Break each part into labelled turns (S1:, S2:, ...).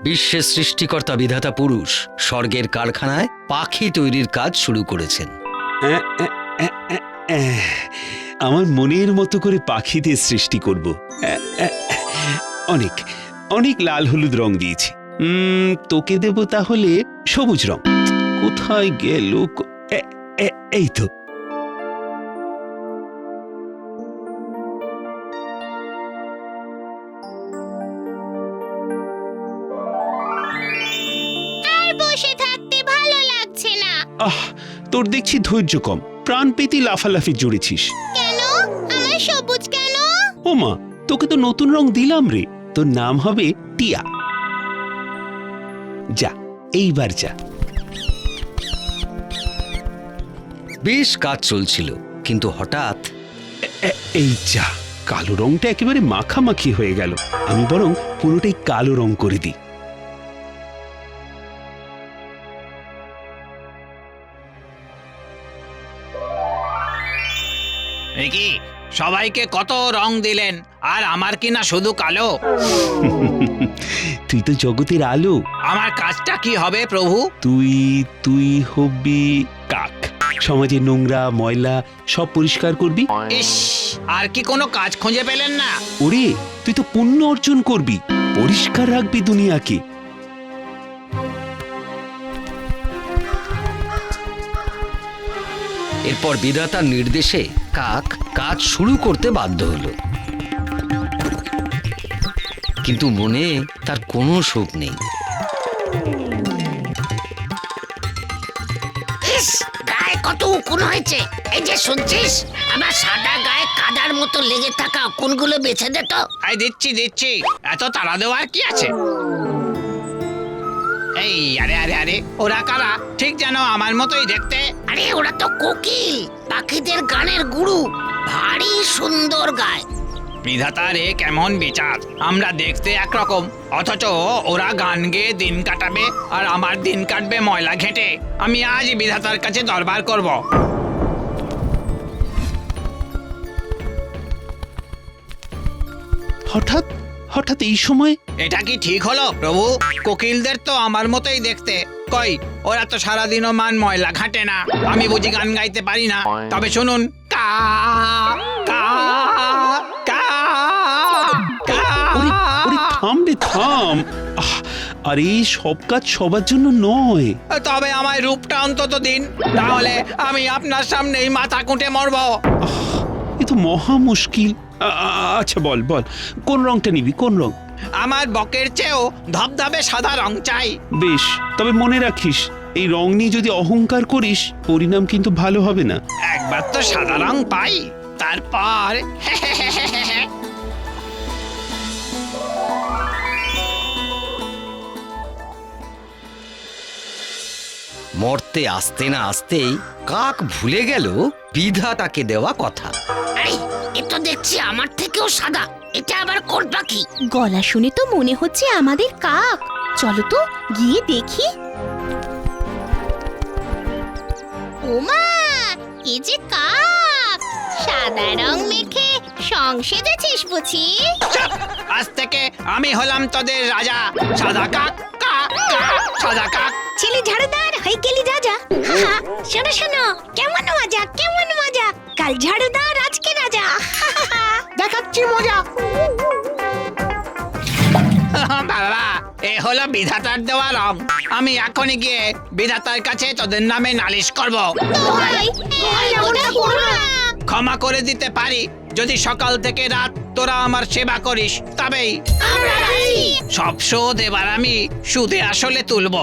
S1: বিশ্বের সৃষ্টিকর্তা বিধাতা পুরুষ স্বর্গের কারখানায় পাখি তৈরির কাজ শুরু করেছেন।
S2: আমার মনের মতো করে পাখিদের সৃষ্টি করব। অনেক অনেক লাল হলুদ রং দিয়েছি। তোকে দেব তাহলে সবুজ রং। কোথায় গেল? এই তো।
S3: বসে থাকতে ভালো লাগছে না।
S2: তোর দেখছি ধৈর্য কম, প্রাণ পেতে লাফালাফি জুড়েছিস।
S3: কেন? আমার সবুজ কেন?
S2: ওমা, তোকে তো নতুন রং দিলাম রে। তোর নাম হবে টিয়া। যা, এইবার যা।
S1: বেশ কাজ চলছিল, কিন্তু হঠাৎ
S2: এই যা, কালো রংটা একেবারে মাখামাখি হয়ে গেল। আমি বরং পুরোটাই কালো রং করে দিই।
S4: কি সবাইকে কত রং দিলেন, আর আমার কি না শুধু কালো?
S2: তুই তো জগতের আলো।
S4: আমার কাজটা কি হবে প্রভু?
S2: তুই হবি কাক। সমাজের নোংরা ময়লা সব পরিষ্কার করবি।
S4: ইস, আর কি কোনো কাজ খুঁজে পেলেন না?
S2: ওরে, তুই তো পুণ্য অর্জন করবি, পরিষ্কার রাখবি দুনিয়াকে।
S1: এরপর বিধাতার নির্দেশে কাক কাজ শুরু করতে বাধ্য হলো, কিন্তু মনে তার কোনো সুখ নেই।
S5: গায়ে কত উকুন হয়েছে। এই যে শুনছিস, আমার সাদা গায়ে কাদার মতো লেগে থাকা উকুনগুলো বেছে দে তো।
S4: এই দিচ্ছি, এত তাড়া দেওয়ার কি আছে? এই আরে আরে আরে, ওরা কারা? ঠিক যেন আমার মতোই দেখতে।
S5: আরে ওরা তো কোকিল, পাখিদের গানের গুরু। ভারী সুন্দর গায়।
S4: বিধাতার এ কেমন বিচার! আমরা দেখতে একরকম, অথচ ওরা গান গেয়ে দিন কাটাবে, আর আমার দিন কাটবে ময়লা ঘেঁটে। আমি আজ বিধাতার কাছে দরবার করব।
S2: হঠাৎ এই সময়?
S4: এটা কি ঠিক হলো প্রভু? কোকিলদের তো আমার মতোই দেখতে। কই, ওরা তো সারাদিনও মান ময়লা ঘাটে না। আমি বুঝি গান গাইতে পারি না? তবে শুনুন, কা কা কা কা।
S2: ওরে থাম রে, থাম। আরে সব কাজ সবার জন্য নয়।
S4: তবে আমায় রূপটা অন্তত দিন, তাহলে আমি আপনার সামনেই মাথা কুটে মরব।
S2: এ তো মহা মুশকিল। আচ্ছা বল, কোন রংটা নিবি? কোন রং?
S4: আমার বকের চেয়েও ধবধবে সাদা রং চাই।
S2: বেশ, তবে মনে রাখিস, এই রং নিয়ে যদি অহংকার করিস, পরিণাম কিন্তু ভালো হবে না।
S4: একবার তো সাদা রং পাই, তারপর
S1: মরতে আসতে না আসতেই কাক ভুলে গেল বিধাতাকে দেওয়া কথা।
S5: আরে এ তো দেখছি আমার থেকেও সাদা। এটা আবার কোন পাখি?
S3: গলা শুনে তো মনে হচ্ছে আমাদের কাক। চলো তো গিয়ে দেখি। ওমা, এই যে কাক, সাদা রং মেখে সং সেজেছিস বুঝি?
S4: আজ থেকে আমি হলাম তোদের রাজা। সাদা কাক, কাক কাক, সাদা কাক।
S3: ছেলে ঝাড়ুদার হয়ে গেলি রাজা। শোনো শোনো, কেমন মজা কেমন মজা। কাল ঝাড়ুদার, আজকে রাজা।
S5: দেখাচ্ছি মজা।
S4: বাবা, এ হলো বিধাতার দেওয়া রং। আমি এখনই গিয়ে বিধাতার কাছে তোদের নামে নালিশ করব। ক্ষমা করে দিতে পারি যদি সকাল থেকে রাত তোরা আমার সেবা করিস, তবেই। সব শোধ এবার আমি সুদে আসলে তুলব।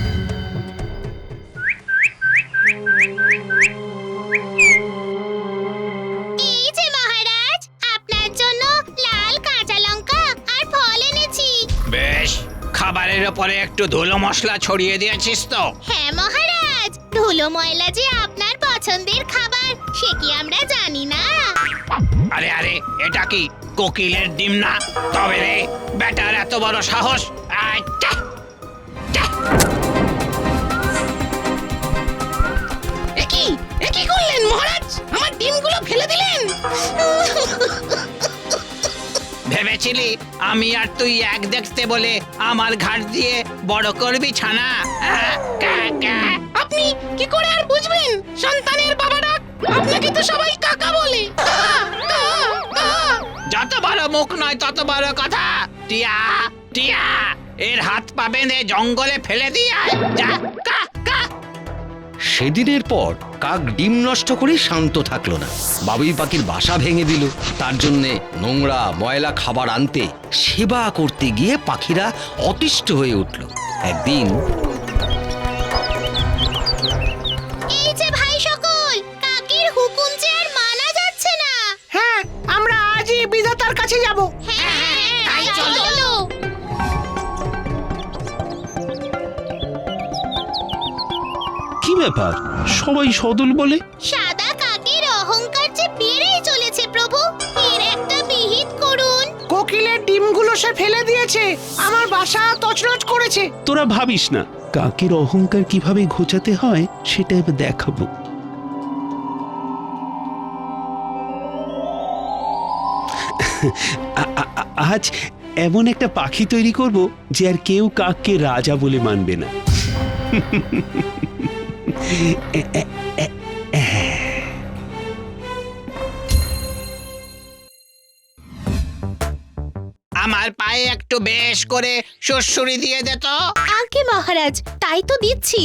S3: এই যে মহারাজ, আপনার জন্য লাল কাঁচা লঙ্কা আর ফল এনেছি।
S4: বেশ, খাবারের ওপরে একটু ধুলো মশলা ছড়িয়ে দিয়েছিস তো?
S3: হ্যাঁ মহারাজ, ধুলো ময়লা যে আপনার পছন্দের খাবার সে কি আমরা জানি না?
S4: আরে আরে, এটা কি কোকিলের ডিম না? তবে রে, বেটার এত বড় সাহস!
S5: কি করলেন মহারাজ? আমার ডিমগুলো ফেলে দিলেন।
S4: ভেবেছিলি আমি আর তুই এক দেখতে বলে আমার ঘাট দিয়ে বড় করবি ছানা? কা, কা।
S5: আপনি কি করে আর বুঝবেন সন্তানের বাবারা? আপনাকে তো সবাই কাকা বলে।
S4: যত বড় মুখ নয় তত বড় কথা। টিয়া টিয়া, এর হাত পা বেঁধে জঙ্গলে ফেলে দিয়ে আয়। যা, কা, কা।
S1: সেদিনের পর কাক ডিম নষ্ট করে শান্ত থাকলো না। বাবুই পাখির বাসা ভেঙে দিল। তার জন্যে নোংরা ময়লা খাবার আনতে সেবা করতে গিয়ে পাখিরা অতিষ্ঠ হয়ে উঠল। একদিন
S3: এই যে ভাই সকল, কাকের হুকুম যে আর মানা যাচ্ছে না।
S5: হ্যাঁ, আমরা আজই বিধাতার কাছে যাব।
S3: হ্যাঁ,
S5: তাই চলো।
S2: কি ব্যাপার, সবাই সদল বলে?
S3: সাদা কাকের অহংকার যে বেড়েই চলেছে প্রভু, এর একটা বিহিত করুন।
S5: কোকিলের ডিমগুলো সে ফেলে দিয়েছে, আমার বাসা তছনছ করেছে।
S2: তোরা ভাবিস না, কাকের অহংকার কিভাবে ঘোচাতে হয় সেটা এবার দেখাবো। আজ এমন একটা পাখি তৈরি করব যে আর কেউ কাককে রাজা বলে মানবে না।
S4: আমার পায়ে একটু বেশ করে সুড়সুড়ি দিয়ে দে তো।
S3: আগে মহারাজ, তাই তো দিচ্ছি।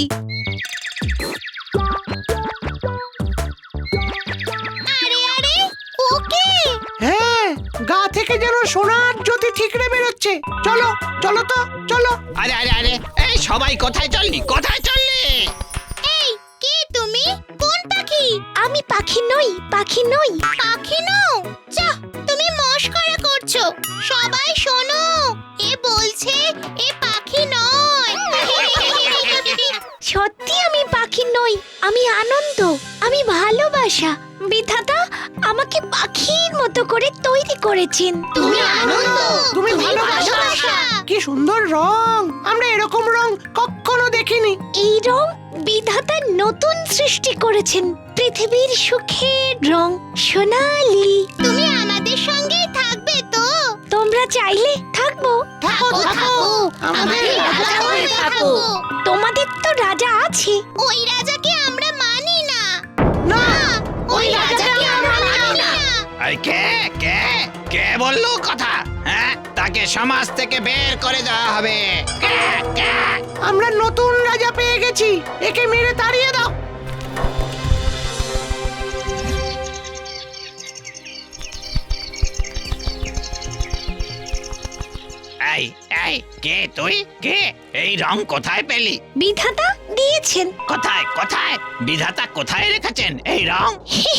S3: আরে আরে, ওকে
S5: হ্যাঁ, গা থেকে যেন সোনার জ্যোতি ঠিকরে বেরোচ্ছে। চলো চলো তো, চলো।
S4: আরে আরে আরে, এই সবাই কোথায় চললি, কোথায় চললি?
S3: এই, কে তুমি? কোন পাখি? আমি পাখি নই, পাখি নই। পাখি নও? যা, তুমি মশকরা করছো। সবাই শোনো, এ বলছে এ পাখি নয়। সত্যি আমি পাখি নই, আমি আনন্দ, আমি ভালোবাসা। বিধাতা আমাকে পাখির মতো করে তৈরি করেছেন। তুমি আনন্দ,
S5: তুমি ভালোবাসা। কি সুন্দর রং, আমরা এরকম রং কখনো দেখিনি।
S3: এই রং বিধাতা নতুন সৃষ্টি করেছেন, পৃথিবীর সুখের রং সোনালি। তুমি আমাদের সঙ্গেই থাকবে তো? তোমরা চাইলে থাকবো।
S5: থাকো থাকো, আমাদের রাজা হয়ে থাকো।
S3: তোমাদের তো রাজা আছে, ওই রাজাকে আমরা মানি না।
S5: না,
S3: ওই রাজাকে আমরা মানি না।
S4: এই কে কে কে বললো কথা? হ্যাঁ, তাকে সমাজ থেকে বের করে দেওয়া হবে। কে, কে?
S5: আমরা নতুন রাজা পেয়ে গেছি, একে মেরে তাড়িয়ে দাও।
S4: এই এই, কে তুই? কে? এই রং কোথায় পেলি?
S3: বিধাতা দিয়েছেন।
S4: কোথায় কোথায়? বিধাতা কোথায় রেখেছেন এই রং?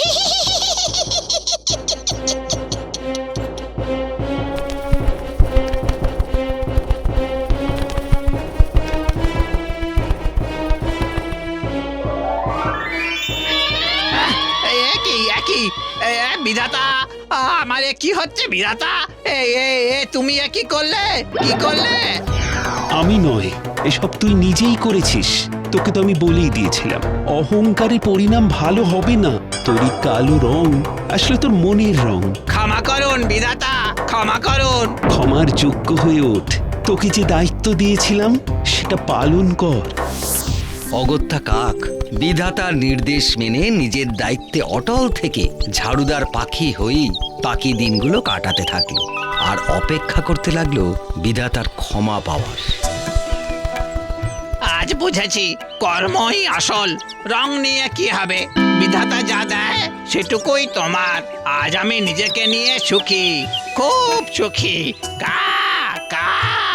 S4: একই বিধাতা, আমার এ কি হচ্ছে বিধাতা? তুমি এ কি করলে, কি করলে?
S2: আমি নয়, এসব তুই নিজেই করেছিস। তোকে তো আমি বলেই দিয়েছিলাম, অহংকারের পরিণাম ভালো হবে না। তোর এই কালো রং আসলে তোর মনের রং।
S4: ক্ষমা করুন বিধাতা, ক্ষমা করুন।
S2: ক্ষমার যোগ্য হয়ে ওঠ। তোকে যে দায়িত্ব দিয়েছিলাম সেটা পালন কর।
S1: অগত্যা কাক বিধাতার নির্দেশ মেনে নিজের দায়িত্বে অটল থেকে ঝাড়ুদার পাখি হয়েই বাকি দিনগুলো কাটাতে থাকলো আর অপেক্ষা করতে লাগলো বিধাতার ক্ষমা পাওয়ার।
S4: আজ বুঝেছি কর্মই আসল, রং নিয়ে কি হবে? বিধাতা যা দেয় সেটুকুই তোমার। আজ আমি নিজেকে নিয়ে সুখী, খুব সুখী। কা কা।